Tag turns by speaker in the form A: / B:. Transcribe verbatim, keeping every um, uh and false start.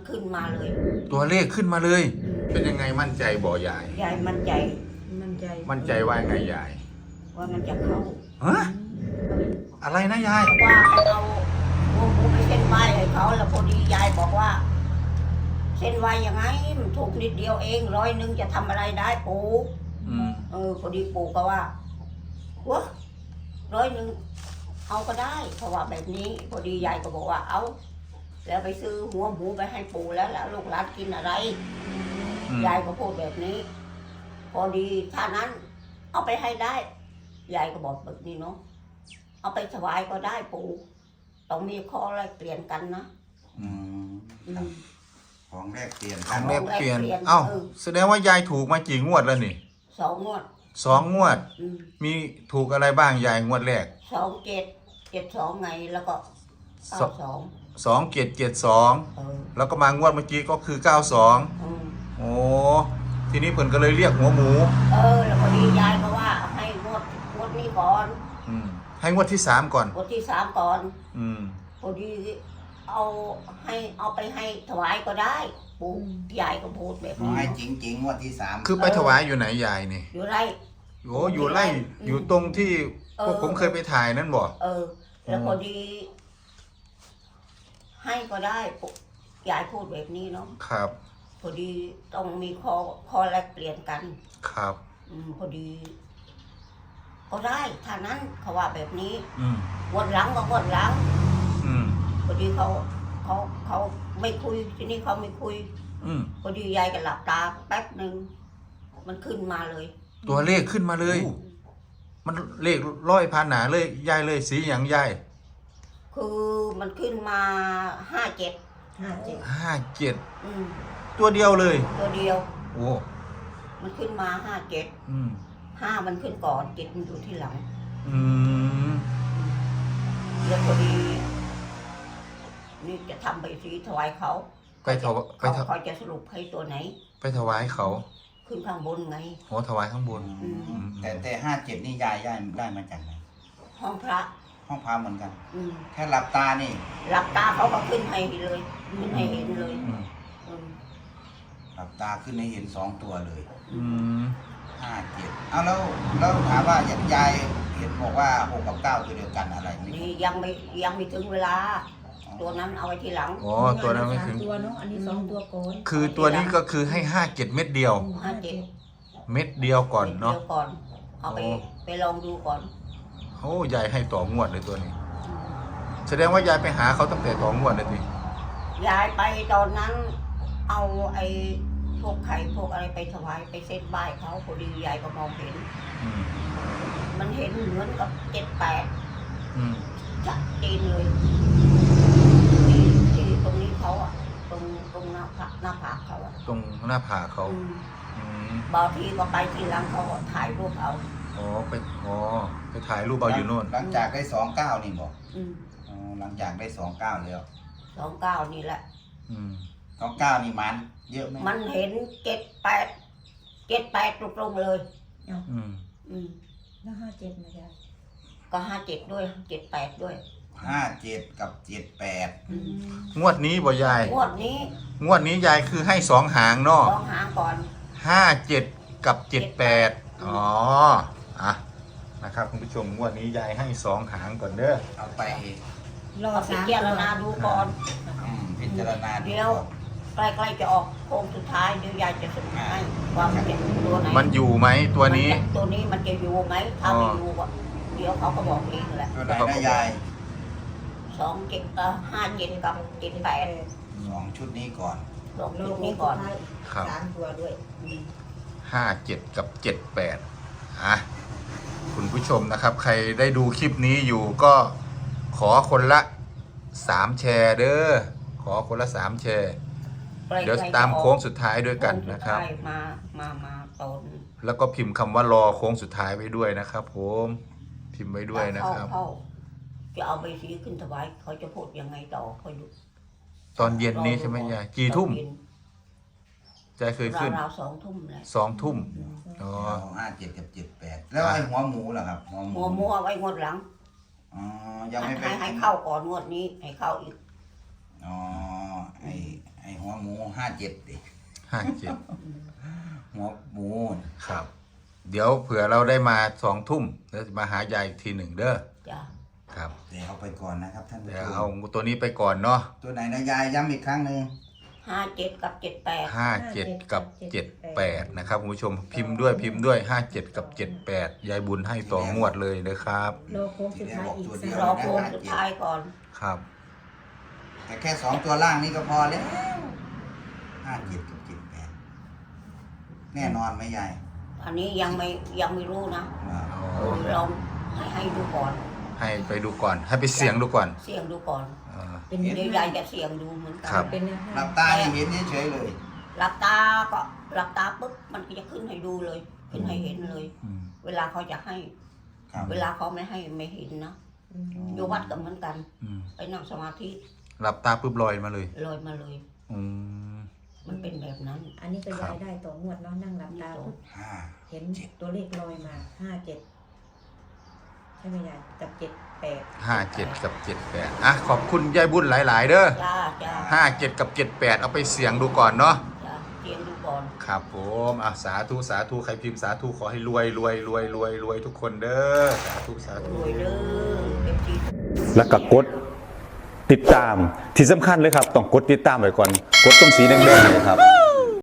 A: ขึ้นมาเลย
B: ตัวเลขขึ้นมาเลย เป็นยังไงมั่นใจบ่ยาย
A: ยายมั่นใจ
C: มั่นใจ
B: มั่นใจว่าไงยาย
A: ว่ามันจะเข้า
B: ฮะอะไรนะยาย
A: ว่าให้เอาหัวหมูไปเส้นไหว้ให้เขาแล้วพอดียายบอกว่า เส้นไหว้ยังไงมันถูกนิดเดียวเองร้อยหนึ่งจะทำอะไรได้ปู่
B: อืม
A: เออพอดีปู่ก็ว่าหัวร้อยหนึ่งเอาก็ได้เพราะว่าแบบนี้พอดียายก็บอกว่าเอาแล้วไปซื้อหัวหมูไปให้ปู่แล้วแล้วลูกหลานกินอะไร
B: อืม
A: ยายก็พูดแบบนี้ พอดีถ้านั้น เอาไปให้ได้ยายก็บอกแบบนี้เนาะเอาไปถวายก็ได้ปู่ต้องมีข้อแลกเปลี่ยนกันนะ
D: อืม
A: อืม
D: ของแรกเปลี่ยน
B: ข
D: กั
B: อน งแลกเปลี่ยน
A: ของแลกเปลี่ยน
B: เอ้า
A: เออ
B: แสดงว่ายายถูกมากี่งวดแล้วนี่
A: สองงวด
B: สองงวด
A: อืม
B: มีถูกอะไรบ้างยายงวดแรก
A: สองเจ็ดเจ็ดสองไงแล้วก็
B: ส
A: เก้า
B: อง
A: สอง
B: สองเจ็ดเจ็ดสอง
A: เออ
B: แล้วก็มางวดเมื่อกี้ก็คือเก้าสอง
A: อืม
B: โอ้ทีนี้เพิ่นก็เลยเรียกหัวหมู
A: เออแล้วพอดียายก็ว่าให้งวดงวดนี้ก่อน
B: อืมให้งวดที่สามก่อน
A: งวดที่สามก่อน
B: อืม
A: พอดีเอาให้เอาไปให้ถวายก็ได้ปู่ยายก็พูดแบบ
D: ขอ
A: นี้
D: ให้จริงจริงๆงวดที่สาม
B: คือไปถวายอยู่ไหนยายนี่
A: อยู่ไร
B: โอ้อยู่ไร่อยู่ตรงที่พวกผมเคยไปถ่ายนั่นบ่
A: เออ แล้วพอดี ให้ก็ได้ปู่ยายพูดแบบนี้เนาะ
B: ครับ
A: พอดีต้องมีข้อข้อแลกเปลี่ยนกัน
B: ครับ
A: อืมพอดี ก็ได้ถ้านั้นเขาว่าแบบนี้
B: อืม
A: วนหลังก็วนหลัง
B: อืม
A: พอดีเขาเขาเขาไม่คุยทีนี้เขาไม่คุย
B: อืม
A: พอดียายก็หลับตาแป๊บหนึ่งมันขึ้นมาเลย
B: ตัวเลขขึ้นมาเลย มันเลขร้อยพันหนาเลยยายเลยสีอย่างยาย
A: คือมันขึ้นมาห้าเจ็ด
C: ห้าเจ็ด
B: ห้าเจ็ด
A: อืม
B: ตัวเดียวเลย
A: ตัวเดียว
B: โอ้
A: มันขึ้นมาห้าเจ็ด
B: อืม
A: ห้ามันขึ้นก่อนเจ็ดมันอยู่ที่หลัง
B: อืม
A: แล้วพอดี นี่จะทำใบสีถวายเขา
B: ไปถวไป
A: เขา
B: ถว
A: เขาจะสรุปให้ตัวไหน
B: ไปถวายเขา
A: ขึ้นข้างบนไง
B: โอ้ถวายข้างบน
D: อืมแต่แต่ห้าเจ็ดนี่ยายยายได้มาจากไหน
A: ห้องพระ
D: ห้องพระเหมือนกัน
A: อืม
D: แค่หลับตานี่
A: หลับตาเขาก็ขึ้นให้เลยขึ้นให้เห็นเลย
B: อืม
A: อืม
D: หลับตาขึ้นให้เห็นสองตัวเลย
B: อืม
D: ห้าเจ็ดเอาแล้วแล้วถามว่ายายเห็นบอกว่าหกกับเก้าตัวเดียวกันอะไรนี่
A: นี่ยังไม่ยังไม่ถึงเวลา ตัวนั้นเอาไว้ทีหลัง
B: อ๋อตัวนั้นไม่ถึง
C: สาตัวเนาะอันนี้สองตัวก่อน
B: คือตัวนี้ก็คือให้ห้าเจ็ดเม็ดเดียว
A: ห้าเจ็ด
B: เม็ดเดียวก่อนเนาะ
A: ดี๋ยวก่อน เอาไป
B: โอ้
A: ไปลองดูก่อน
B: โอ้ยายให้ต่องวดเลยตัวนี้ แสดงว่ายายไปหาเขาตั้งแต่ต่องวดเลยที
A: ยายไปตอนนั้น เอาไอ้พวกไข่พวกอะไรไปถวายไปเส้นไหว้เขาพอดียายก็มองเห็น
B: อืม
A: มันเห็นเหมือนกับเจ็ดแปด
B: อืม
A: ชัดเจนเลยที่ที่ตรงนี้เขาอะตรงตรงหน้าผากหน้าผากเขาอะ
B: ตรงหน้าผากเขา
A: อืม
B: อืม
A: บางทีก็ไปทีหลังเขาก็ถ่ายรูปเอา
B: อ๋อไปอ๋อไปถ่ายรูปเอาอยู่โน่น
D: หลังจากได้สองเก้านี่บอก
A: อืม
D: อ๋อหลังจากได้สองเก้าแล้ว
A: สองเก้านี่แหละ
B: อืม
D: สองเก้านี่มันเยอะไหม
A: มันเห็นเจ็ดแปดเจ็ดแปดตรงๆเลย
B: อืม
A: อืม
C: แล้วห้าเจ็ดนะยาย
A: ก็ห้าเจ็ดด้วยเจ็ดแปดด้วย
D: ห้าเจ็ดกับเจ็ดแปด
A: อืม
B: งวดนี้บ่ยาย
A: งวดนี้
B: งวดนี้ยายคือให้สองหางเนาะ
A: ลองหาก่อน
B: ห้าเจ็ดกับเจ็ดแปดอ๋ออ่ะนะครับคุณผู้ชมงวดนี้ยายให้สองหางก่อนเด้อ
D: เอาไป
C: รอ
A: เอาไป
C: สาม
A: เจาร
C: ตัว
A: ณาดูก่อน
D: อืมพิจารณาดู
A: เดี๋ยว
D: ก่อน
A: ใกล้ๆจะออกโค้งสุดท้ายเดี๋ยวยายจะสรุปให้ว่ามันจะตัวไหน
B: มันอยู่ไหมตัวนี้
A: มัจะตัวนี้มันจะอยู่ไหมถ้าไม่อยู่อะเดี๋ยวเขาก็บอกเองแหละ
D: ตัวไหนนะยาย
A: สองเจ็ดเอ่อห้าเจ็ดกับเจ็ดแปด
D: สองชุดนี้ก่อน
A: ลอง
C: รอ
A: จุด
C: โค้
A: นี้
C: ง
A: ก่อน
C: สุดท้าย
B: ครับ
C: สามตัวด้วย
A: อืม
B: ห้าเจ็ดกับเจ็ดแปดอ่ะคุณผู้ชมนะครับ ใครได้ดูคลิปนี้อยู่ก็ขอคนละสามแชร์เด้อขอคนละสามแชร์
A: ใกล้ๆ
B: เดี๋ยวตามโค้งสุดท้ายด้วยกันนะครับ
A: โงสุดท้ายมามามาตอน
B: แล้วก็พิมพ์คำว่ารอโค้งสุดท้ายไว้ด้วยนะครับ ผมพิมพ์ไว้ด้วยนะครับ
A: เข้าจะเอาไปสีขึ้นถวายเขาจะพูดยังไงต่อเขาอยู่
B: ตอนเย็นนี้ใช่ไหมยายกี่ทุ่ม
A: ตอนเย็น
B: ยายเคยขึ้น
A: ราวๆสองทุ่มแหละ
B: สองทุ่มอ๋อ
D: ห้าเจ็ดกับเจ็ดแปดแล้วไอ้หัวหมูล่ะครับหัวหมู
A: มัวมัวไว้งวดหลัง
D: อ๋อยังไม่ไป
A: ให้ให้เข้าก่อนงวดนี้ให้เข้าอีก
D: อ๋อไอ้ไอ้หัวหมูาเจ็ดดิ
B: ห้าเจ็ด
D: หัวหมู
B: ครับ เดี๋ยวเผื่อเราได้มาสองทุ่มแล้วจะมาหายายอีกทีหนึ่งเด้อ
A: จ้ะ
B: ครับ
D: เดี๋ยวเอาไปก่อนนะครับท่านผู้
B: เดี๋ยว
D: ช
B: เอา
D: ม
B: ตัวนี้ไปก่อนเนาะ
D: ตัวไหนนะยายย้ำอีกครั้งหนึ่ง
A: ห้าเจ็ดกับเจ็ดแปด
B: ห้าเจ็ดกับเจ็ดแปดนะครับคุณผู้ชมพิมพ์ด้วยพิมพ์ด้วยห้าเจ็ดกับเจ็ดแปดยายบุญให้ต่องวดเลยนะครับ
C: รอโค้งสุดท้ายอีกสัก
A: รอโค้งสุดท้ายก่อน
B: ครับ
D: แต่แค่สองตัวล่างนี่ก็พอแล้วห้าเจ็ดกับเจ็ดแปดแน่นอนไหมยาย
A: อันนี้ยังไม่ยังไม่รู้นะ
D: อ่า
A: เออลองให้ให้ดูก่อน
B: ให้ไปดูก่อน ให้ไปเสียงดูก่อน
A: เสี่ยงดูก่อน
B: เออ
C: เป็น
A: เดี๋
C: เนื้
A: ยว
C: อย
A: ายจะเสี่ยงดูเหมือนกั
B: ครับ
C: เป็นเนื้อ
D: หลับตานี่เห็นเฉยๆเลย
A: หลับตาก็หลับตาปุ๊บมันก็จะขึ้นให้ดูเลย ขึ้นให้เห็นเลย
B: อืม
A: เวลาเขาจะให้
D: ครับ
A: เวลาเขาไม่ให้ไม่เห็นนะ
C: อืม
A: อยู่วัดก็เหมือนกัน
B: อืม
A: ไปนั่งสมาธิ
B: หลับตาปุ๊บลอยมาเลย
A: ลอยมาเลย
B: อืม
A: มันเป็นแบบนั้น
C: อันนี้ก็
B: ครั
C: ยา
B: บ
C: ยได้ต่องวดเนาะนั่งหลับตาปุ๊บ
D: ห้า
C: เห็นตัวเลขลอยมาห้าเจ็ดใช่ไหมยายกับเจ็ดแปด
B: ห้าเจ็ดกับเจ็ดแปดอ่ะขอบคุณยายบุญหลาย ๆ เด้อ
A: จ้าจ้า
B: ห้าเจ็ดกับเจ็ดแปดเอาไปเสียงดูก่อนเนาะ
A: จ้าเสี่ยงดูก่อน
B: ครับผมอ่ะสาธุสาธุใครพิมพ์สาธุขอให้รวยรวยรวยรวยรวยทุกคนเด้อสาธุสาร ธุ
A: วยเด้อเต็มที่
E: แล้วก็กดติดตามที่สำคัญเลยครับ ต้องกดติดตามไว้ก่อน กดตรงสีแดงๆเนยครับ